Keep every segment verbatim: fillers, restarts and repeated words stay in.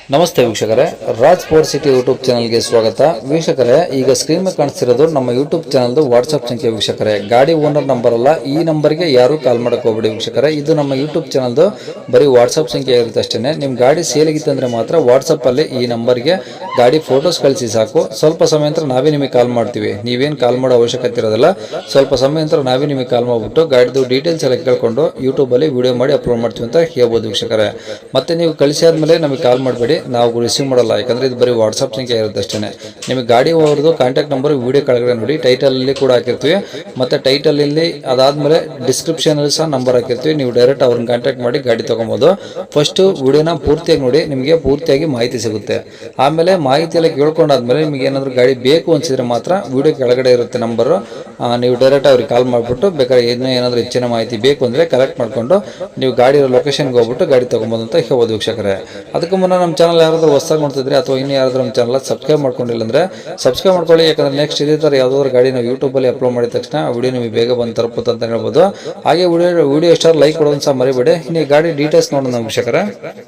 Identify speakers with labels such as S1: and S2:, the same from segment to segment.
S1: ನಮಸ್ತೆ ವೀಕ್ಷಕರೇ, Raj four city YouTube ಚಾನಲ್ಗೆ ಸ್ವಾಗತ. ವೀಕ್ಷಕರೇ, ಈಗ ಸ್ಕ್ರೀನ್ ಮೇಲೆ ಕಾಣಿಸ್ತಿರೋದು ನಮ್ಮ ಯೂಟ್ಯೂಬ್ ಚಾನಲ್ದು ವಾಟ್ಸ್ಆಪ್ ಸಂಖ್ಯೆ. ವೀಕ್ಷಕರೇ, ಗಾಡಿ ಓನರ್ ನಂಬರ್ ಅಲ್ಲ, ಈ ನಂಬರ್ಗೆ ಯಾರು ಕಾಲ್ ಮಾಡಕ್ಕೆ ಹೋಗ್ಬೇಡಿ ವೀಕ್ಷಕರೇ. ಇದು ನಮ್ಮ ಯೂಟ್ಯೂಬ್ ಚಾನಲ್ದು ಬರೀ ವಾಟ್ಸ್ಆಪ್ ಸಂಖ್ಯೆ ಇರುತ್ತೆ ಅಷ್ಟೇ. ನಿಮ್ಮ ಗಾಡಿ ಸೇಲಿಗಿತ್ತಂದ್ರೆ ಮಾತ್ರ ವಾಟ್ಸಪ್ಪಲ್ಲಿ ಈ ನಂಬರ್ಗೆ ಗಾಡಿ ಫೋಟೋಸ್ ಕಳಿಸಿ ಸಾಕು. ಸ್ವಲ್ಪ ಸಮಯ ನಂತರ ನಾವೇ ನಿಮಗೆ ಕಾಲ್ ಮಾಡ್ತೀವಿ. ನೀವೇನು ಕಾಲ್ ಮಾಡೋ ಅವಶ್ಯಕತೆ ಇರೋದಿಲ್ಲ. ಸ್ವಲ್ಪ ಸಮಯ ನಂತರ ನಾವೇ ನಿಮಗೆ ಕಾಲ್ ಮಾಡಿಬಿಟ್ಟು ಗಾಡಿದು ಡೀಟೇಲ್ಸ್ ಎಲ್ಲ ಕೇಳ್ಕೊಂಡು ಯೂಟ್ಯೂಬಲ್ಲಿ ವಿಡಿಯೋ ಮಾಡಿ ಅಪ್ಲೋಡ್ ಮಾಡ್ತೀವಿ ಅಂತ ಹೇಳ್ಬೋದು ವೀಕ್ಷಕರೇ. ಮತ್ತೆ ನೀವು ಕಳಿಸಿದ್ಮೇಲೆ ನಮಗೆ ಕಾಲ್ ಮಾಡಬೇಡಿ, ನಾವು ರಿಸೀವ್ ಮಾಡಲ್ಲ. ಯಾಕಂದ್ರೆ ಇದು ಬರೀ ವಾಟ್ಸ್ಆಪ್ ಸಂಖ್ಯೆ ಇರುತ್ತೆ ಅಷ್ಟೇ. ನಿಮಗೆ ಗಾಡಿ ಅವ್ರದ್ದು ಕಾಂಟ್ಯಾಕ್ಟ್ ನಂಬರ್ ವಿಡಿಯೋ ಕೆಳಗಡೆ ನೋಡಿ, ಟೈಟಲ್ ಅಲ್ಲಿ ಕೂಡ ಹಾಕಿರ್ತೀವಿ. ಮತ್ತೆ ಟೈಟಲ್ ಇಲ್ಲಿ ಅದಾದ್ಮೇಲೆ ಡಿಸ್ಕ್ರಿಪ್ಷನ್ ಅಲ್ಲಿ ಸಹ ನಂಬರ್ ಹಾಕಿರ್ತೀವಿ. ನೀವು ಡೈರೆಕ್ಟ್ ಅವ್ರನ್ನ ಕಾಂಟ್ಯಾಕ್ಟ್ ಮಾಡಿ ಗಾಡಿ ತಗೊಬಹುದು. ಫಸ್ಟ್ ವಿಡಿಯೋನ ಪೂರ್ತಿಯಾಗಿ ನೋಡಿ, ನಿಮಗೆ ಪೂರ್ತಿಯಾಗಿ ಮಾಹಿತಿ ಸಿಗುತ್ತೆ. ಆಮೇಲೆ ಮಾಹಿತಿ ಎಲ್ಲ ಕೇಳ್ಕೊಂಡಾದ್ಮೇಲೆ ನಿಮಗೆ ಏನಾದ್ರು ಗಾಡಿ ಬೇಕು ಅನ್ಸಿದ್ರೆ ಮಾತ್ರ ವಿಡಿಯೋ ಕೆಳಗಡೆ ಇರುತ್ತೆ ನಂಬರ್, ನೀವು ಡೈರೆಕ್ಟ್ ಅವ್ರಿಗೆ ಕಾಲ್ ಮಾಡಿಬಿಟ್ಟು ಬೇಕಾದ್ರೆ ಇನ್ನೂ ಏನಾದರೂ ಹೆಚ್ಚಿನ ಮಾಹಿತಿ ಬೇಕು ಅಂದ್ರೆ ಕಲೆಕ್ಟ್ ಮಾಡ್ಕೊಂಡು ನೀವು ಗಾಡಿ ಲೊಕೇಶನ್ಗೆ ಹೋಗ್ಬಿಟ್ಟು ಗಾಡಿ ತಗೊಬೋದು ಅಂತ ಹೇಳ್ಬೋದು ವೀಕ್ಷಕರೇ. ಅದಕ್ಕೂ ಮುನ್ನ ನಮ್ಮ ಚಾನಲ್ ಯಾರಾದರೂ ಹೊಸದಾಗಿ ನೋಡ್ತಿದ್ರೆ ಅಥವಾ ಇನ್ನು ಯಾರಾದರೂ ನಮ್ಮ ಚಾನಲ್ ಸಬ್ಸ್ಕ್ರೈಬ್ ಮಾಡ್ಕೊಂಡಿಲ್ಲ ಅಂದ್ರೆ ಸಬ್ಸ್ಕ್ರೈಬ್ ಮಾಡ್ಕೊಳ್ಳಿ. ಯಾಕಂದ್ರೆ ನೆಕ್ಸ್ಟ್ ಇದೇ ಥರ ಯಾವುದಾದ್ರು ಗಾಡಿ ನಾವು ಯೂಟ್ಯೂಬಲ್ಲಿ ಅಪ್ಲೋಡ್ ಮಾಡಿದ ತಕ್ಷಣ ವಿಡಿಯೋ ನಿಮಗೆ ಬೇಗ ಬಂದು ತಲುಪುತ್ತೆ ಅಂತ ಹೇಳ್ಬೋದು. ಹಾಗೆ ವಿಡಿಯೋ ವಿಡಿಯೋ ಎಷ್ಟಾದ್ರು ಲೈಕ್ ಕೊಡೋದು ಸಹ ಮರಿಬೇಡಿ. ಇನ್ನು ಈ ಗಾಡಿ ಡೀಟೇಲ್ಸ್ ನೋಡೋಣ ವೀಕ್ಷಕರೇ.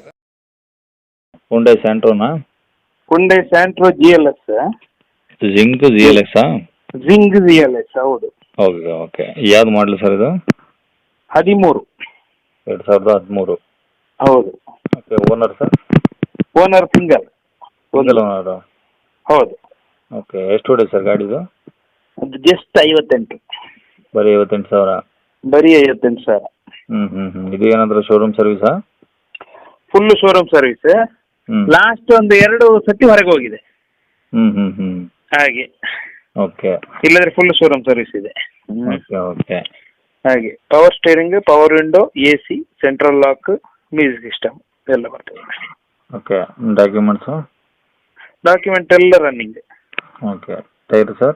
S2: ಹುಂಡೈ ಸ್ಯಾಂಟ್ರೋನಾ?
S3: Hyundai Santro G L S.
S2: Xing G L ಎಕ್ಸಾ?
S3: ಜಿಂಗ್ ಜಿ ಎಲ್ ಎಸ್, ಹೌದು.
S2: Okay okay. ಯಾವ್ದು ಮಾಡಲಿ ಸರ್ ಇದು?
S3: ಹದಿಮೂರು.
S2: ಎರಡು ಸಾವಿರದ ಹದಿಮೂರು.
S3: ಹೌದು.
S2: Okay. Owner sir?
S3: Owner single.
S2: Single owner?
S3: ಹೌದು.
S2: ಓಕೆ. ಎಷ್ಟು ಹೊಡೆ ಸರ್ ಗಾಡಿದು?
S3: ಅದು ಜಸ್ಟ್ ಐವತ್ತೆಂಟು.
S2: ಬರೀ ಐವತ್ತೆಂಟು ಸಾವಿರ?
S3: ಬರೀ ಐವತ್ತೆಂಟು ಸಾವಿರ.
S2: ಹ್ಞೂ ಹ್ಞೂ ಹ್ಞೂ. ಇದು ಏನಾದರೂ ಶೋರೂಮ್ ಸರ್ವಿಸಾ?
S3: Full showroom service.
S2: ಹ್ಞೂ.
S3: ಲಾಸ್ಟ್ ಒಂದು ಎರಡು ಸತಿ ಹೊರಗೆ ಹೋಗಿದೆ
S2: ಹ್ಞೂ ಹ್ಞೂ ಹ್ಞೂ.
S3: ಹಾಗೆ.
S2: ಓಕೆ.
S3: ಇಲ್ಲದ್ರೆ ಫುಲ್ ಶೋರೂಮ್ ಸರ್ವಿಸ್ ಇದೆ.
S2: Okay okay.
S3: ಹಾಗೆ power steering, power window, A C, central lock, music system ಎಲ್ಲ ಬರ್ತದೆ.
S2: ಓಕೆ. ಡಾಕ್ಯುಮೆಂಟ್ಸು?
S3: ಡಾಕ್ಯುಮೆಂಟ್ ಎಲ್ಲ running.
S2: Okay. Tyre sir?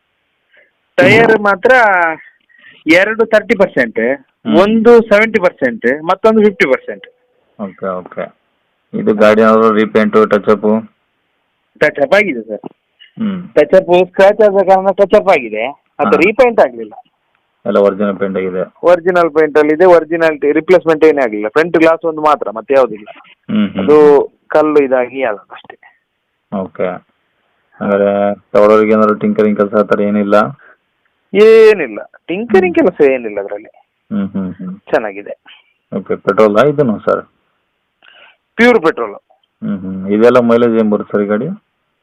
S3: Tyre ಮಾತ್ರ ಎರಡು ತರ್ಟಿ ಪರ್ಸೆಂಟ್, ಒಂದು ಸೆವೆಂಟಿ ಪರ್ಸೆಂಟ್, ಮತ್ತೊಂದು ಫಿಫ್ಟಿ ಪರ್ಸೆಂಟ್.
S2: Okay okay. ಇದು ಗಾಡಿ ಏನಾದರೂ ರೀಪೇಂಟು ಟಚಪ್ಪು?
S3: ಟಚಪ್ ಆಗಿದೆ ಸರ್.
S2: ಹ್ಞೂ.
S3: ಟಚಪ್ ಸ್ಕ್ರಾಚ್ ಆದ ಕಾರಣ ಟಚಪ್ ಆಗಿದೆ, ಅದು ರೀಪೇಂಟ್ ಆಗಲಿಲ್ಲ.
S2: ಎಲ್ಲ ಒರಿಜಿನಲ್ ಪೇಂಟ್ ಆಗಿದೆ?
S3: ಒರಿಜಿನಲ್ ಪೇಂಟ್ ಅಲ್ಲಿ ಇದೆ. ಒರಿಜಿನಾಲಿಟಿ ರಿಪ್ಲೇಸ್ಮೆಂಟ್ ಏನೇ ಆಗಲಿಲ್ಲ. ಫ್ರಂಟ್ ಗ್ಲಾಸ್ ಒಂದು ಮಾತ್ರ, ಮತ್ತೆ ಯಾವುದಿಲ್ಲ.
S2: ಹ್ಞೂ ಹ್ಞೂ.
S3: ಅದು ಕಲ್ಲು ಇದಾಗಿ ಅಲ್ಲ ಅಷ್ಟೇ.
S2: ಓಕೆ. ಹಾಗಾದ್ರೆ ತಗೊಳ್ಳೋರಿಗೆ ಏನಾದ್ರು ಟಿಂಕರಿಂಗ್ ಕೆಲಸ ಆ ಥರ ಏನಿಲ್ಲ?
S3: ಏನಿಲ್ಲ, ಟಿಂಕರಿಂಗ್ ಕೆಲಸ ಏನಿಲ್ಲ ಅದರಲ್ಲಿ.
S2: ಹ್ಞೂ ಹ್ಞೂ ಹ್ಞೂ.
S3: ಚೆನ್ನಾಗಿದೆ.
S2: ಓಕೆ. ಪೆಟ್ರೋಲಾ ಇದನ್ನು ಸರ್?
S3: Pure petrol.
S2: ಹ್ಞೂ ಹ್ಞೂ. ಇದೆಲ್ಲ ಮೈಲೇಜ್ ಏನು ಬರುತ್ತೆ ಸರ್ ಈ ಗಾಡಿ?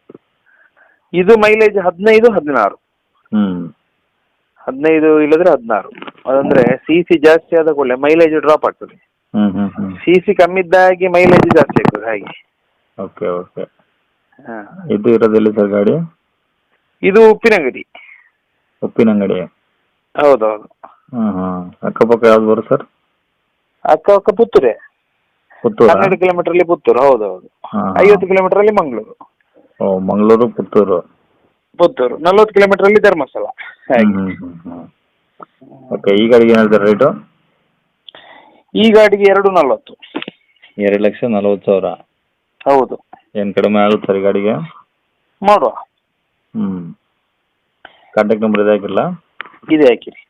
S3: ಇದು ಮೈಲೇಜ್ ಹದಿನೈದು ಹದಿನಾರು.
S2: ಹ್ಞೂ.
S3: ಹದಿನೈದು ಇಲ್ಲದ್ರೆ ಹದಿನಾರು. ಅದಂದ್ರೆ ಸಿ ಸಿ ಜಾಸ್ತಿ ಆದ ಕೂಡಲೇ ಮೈಲೇಜ್ ಡ್ರಾಪ್ ಆಗ್ತದೆ.
S2: ಹ್ಞೂ ಹ್ಞೂ ಹ್ಞೂ.
S3: ಸಿ ಸಿ ಕಮ್ಮಿ ಇದ್ದಾಗೆ ಮೈಲೇಜ್ ಜಾಸ್ತಿ ಆಗ್ತದೆ ಹಾಗೆ.
S2: Okay okay.
S3: ಹಾಂ.
S2: ಇದು ಇರೋದೆಲ್ಲಿ ಸರ್ ಗಾಡಿ?
S3: ಇದು ಉಪ್ಪಿನಂಗಡಿ.
S2: ಉಪ್ಪಿನಂಗಡಿ?
S3: ಹೌದೌದು.
S2: ಹಾಂ ಹಾಂ. ಅಕ್ಕಪಕ್ಕ ಯಾವ್ದು ಬರುತ್ತೆ ಸರ್?
S3: ಅಕ್ಕ ಅಕ್ಕ ಪುತ್ತೂರೇ.
S2: ಪುತ್ತೂರು?
S3: ಹನ್ನೆರಡು ಕಿಲೋಮೀಟರ್ ಅಲ್ಲಿ ಪುತ್ತೂರು. ಹೌದೌದು.
S2: ಹಾಂ.
S3: ಐವತ್ತು ಕಿಲೋಮೀಟರ್ ಅಲ್ಲಿ ಮಂಗಳೂರು.
S2: ಓ, ಮಂಗಳೂರು ಪುತ್ತೂರು.
S3: ಪುತ್ತೂರು ನಲ್ವತ್ತು ಕಿಲೋಮೀಟರ್ ಅಲ್ಲಿ ಧರ್ಮಸ್ಥಳ ಹಾಗೆ.
S2: ಹ್ಞೂ ಹ್ಞೂ ಹ್ಞೂ. ಓಕೆ. ಈ ಗಾಡಿಗೆ ಏನು ಹೇಳ್ತಾರೆ ರೇಟು?
S3: ಈ ಗಾಡಿಗೆ ಎರಡು ನಲ್ವತ್ತು.
S2: ಎರಡು ಲಕ್ಷ ನಲ್ವತ್ತು ಸಾವಿರ?
S3: ಹೌದು.
S2: ಏನು ಕಡಿಮೆ ಆಗುತ್ತೆ ಸರ್ ಈ ಗಾಡಿಗೆ?
S3: ಮಾಡುವ.
S2: ಹ್ಞೂ. ಕಾಂಟ್ಯಾಕ್ಟ್ ನಂಬರ್ ಇದೆ ಹಾಕಿರಲ್ಲ?
S3: ಇದೆ ಹಾಕಿರಿ.